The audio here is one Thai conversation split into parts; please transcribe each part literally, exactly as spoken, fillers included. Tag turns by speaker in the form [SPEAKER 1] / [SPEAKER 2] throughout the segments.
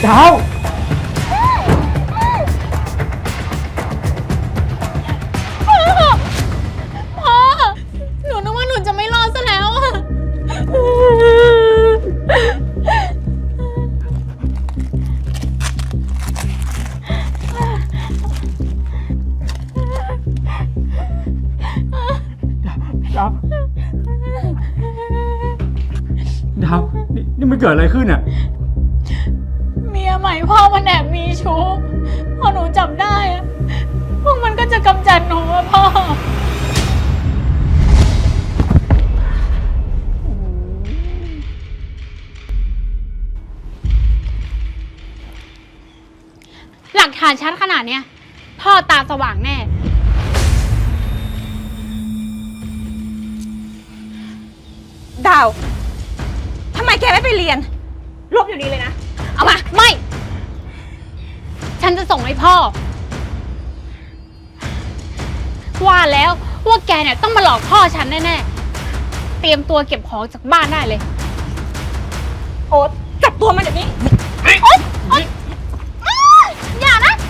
[SPEAKER 1] ดาว
[SPEAKER 2] พ่อหนูนึกว่าหนูจะไม่รอดซะแล้วอะ
[SPEAKER 1] ดาวดาวนี่นี่มันเกิดอะไรขึ้นอ่ะ
[SPEAKER 2] เมียใหม่พ่อมันแอบมีชู้พอหนูจับได้อะพวกมันก็จะกำจัดหนูอะพ่อหลักฐานชัดขนาดเนี้ยพ่อตาสว่างแน่
[SPEAKER 3] ดาวทำไมแกไม่ไปเรียนลบอยู่นี้เลยนะ
[SPEAKER 2] เอามาไม่ฉันจะส่งให้พ่อว่าแล้วว่าแกเนี่ยต้องมาหลอกพ่อฉันแน่ๆเตรียมตัวเก็บของจากบ้านได้เลย
[SPEAKER 3] โอ๊ตจับตัวมันเดี๋ยวนี้
[SPEAKER 2] โอ๊ยโอ๊ยอย่านะ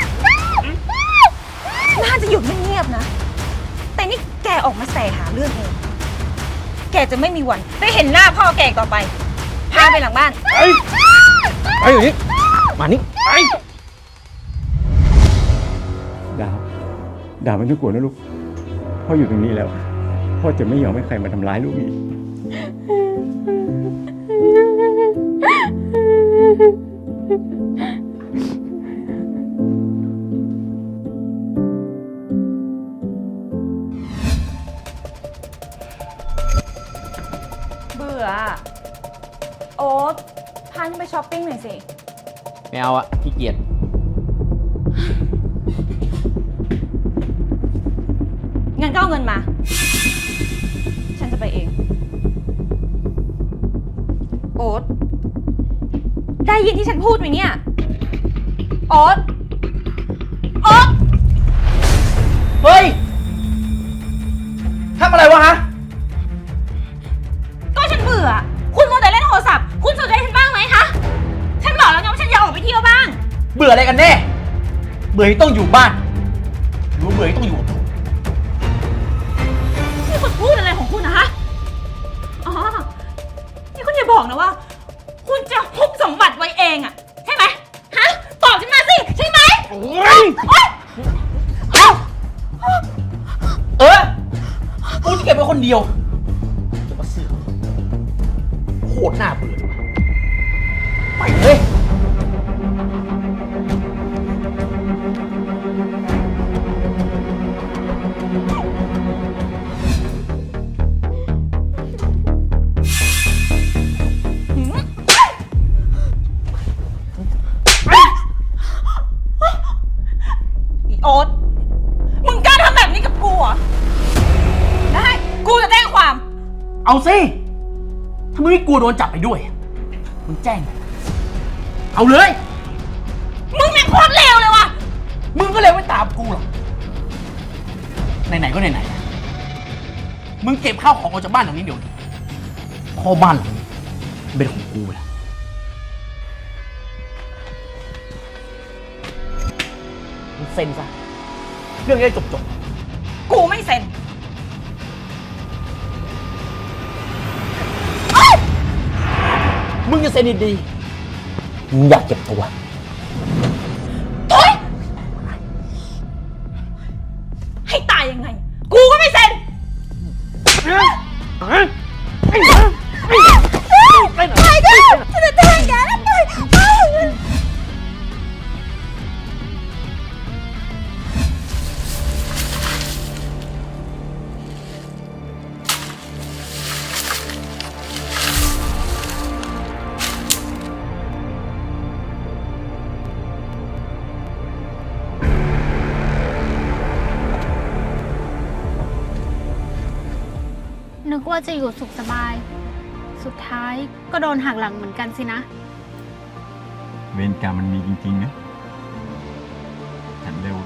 [SPEAKER 3] น่าจะอยู่เงียบๆนะแต่นี่แกออกมาแสหาเรื่องเองแกจะไม่มีวันได้เห็นหน้าพ่อแกต่อไปพาไปหลังบ้าน
[SPEAKER 1] ไอ้ไอ้อย่างนี้มานี่ไอ้ดาวดาวไม่ต้องกลัวนะลูกพ่ออยู่ตรงนี้แล้วพ่อจะไม่ยอมให้ใครมาทำร้ายลูกอีก
[SPEAKER 3] เบื่อโอ๊ตพาฉันไปช้อปปิ้งหน่อยสิ
[SPEAKER 4] ไม่เอาอะขี้เกียจ
[SPEAKER 3] งั้นก็เอาเงินมาฉันจะไปเองโอ๊ตได้ยินที่ฉันพูดไหมเนี่ยโอ๊ตโอ๊ต
[SPEAKER 4] เฮ้ยทำอะไรวะฮะ
[SPEAKER 3] ก็ฉันเบื่อคุณมัวแต่เล่นโทรศัพท์คุณสนใจฉันบ้างไหมคะฉันบอกแล้วไงว่าฉันอยากออกไปเที่ยวบ้าง
[SPEAKER 4] เบื่ออะไรกันแน่เบื่อที่ต้องอยู่บ้านหรือเบื่อที่ต้องอยู่กับผม
[SPEAKER 3] นี่คุณพูดอะไรของคุณนะคะอ๋อนี่คุณอย่าบอกนะว่าคุณจะฮุบสมบัติไว้เองอะใช่ไหมฮะตอบฉันมาสิใช่ไหม
[SPEAKER 4] โอ้ยเออกูจะเก็บไว้คนเดียวจะมาเสือกโคตรน่าเบื่อเลยไปเลย
[SPEAKER 3] โอ๊ตมึงกล้าทำแบบนี้กับกูเหรอได้กูจะแจ้งความ
[SPEAKER 4] เอาสิถ้ามึงไม่กลัวโดนจับไปด้วยมึงแจ้งเอาเลย
[SPEAKER 3] มึงแม่งโคตรเลวเลยว่ะ
[SPEAKER 4] มึงก็เลยไม่ตามกูหรอกไหนๆก็ไหนๆมึงเก็บข้าวของออกจากบ้านหลังนี้เดี๋ยวนี้พ่อบ้านหลังนี้เป็นของกูแหละมึงเซ็นซะเรื่องนี้ได้จบๆ
[SPEAKER 3] กูไม่เซ็น
[SPEAKER 4] มึงจะเซ็นดีๆมึงอยากเก็บตัว
[SPEAKER 3] โอ๊ยให้ตายยังไงกูก็ไม่เซ็นไปดิฉันจะแจ้งแกแล้วไป
[SPEAKER 2] นึกว่าจะอยู่สุขสบายสุดท้ายก็โดนหักหลังเหมือนกันสินะ
[SPEAKER 1] เวรกรรมมันมีจริงๆนะฉันเลย